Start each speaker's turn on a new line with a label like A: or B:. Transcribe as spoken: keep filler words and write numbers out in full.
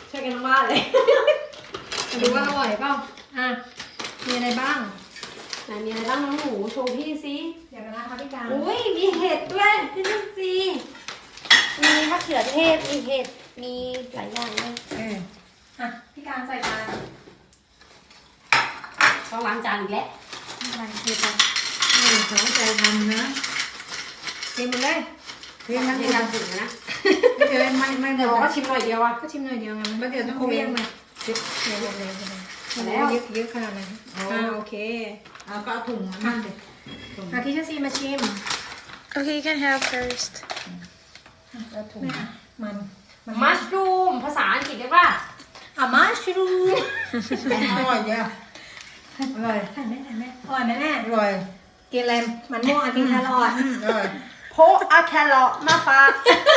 A: ช่วยกันทั้งบ้านเลยมาดูว่าอร่อยเปล่าอ่ะมีอะไรบ้างไหนมีอะไรบ้างน้องหมูโชว์พี่สิเดี๋ยวกันนะคะพี่การอุ้ยมีเห็ดด้วยพี่นุ่นสิมีมะเขือเทศมีเห็ดมีหลายอย่างเลยเอออ่ะพี่การใส่จานต้องล้างจานอีกแล้วล้างทีไปนี่เขาใจทำนะเทหมดเลยเทมันในการถึงนะไม่เดี๋ยวไม่ไม่เดี๋ยวก็ชิมหน่อยเดียวอ่ะก็ชิมหน่อยเดียวไงมันเดี๋ยวต้องเวียงมาเยอะเยอะเลยแล้วเยอะเยอะขนาดไหนอ่าโอเคเอาก็เอาถุงมาเลยอาทิชซีมาชิม
B: Okay, you can have first.
A: เอาถุงมัน
C: มัชรูมภาษาอังกฤษเรียกว่า
A: อ่ะมัชรูม
D: อร่อยเยอะอร่อย
A: ถ่ายแม่ถ่ายแม่อร่อยไหมแม่
D: อร่อย
A: กินอะไรมันม่วงกินแครอท
D: อร่อย
C: โพอาแครอทมาฝาก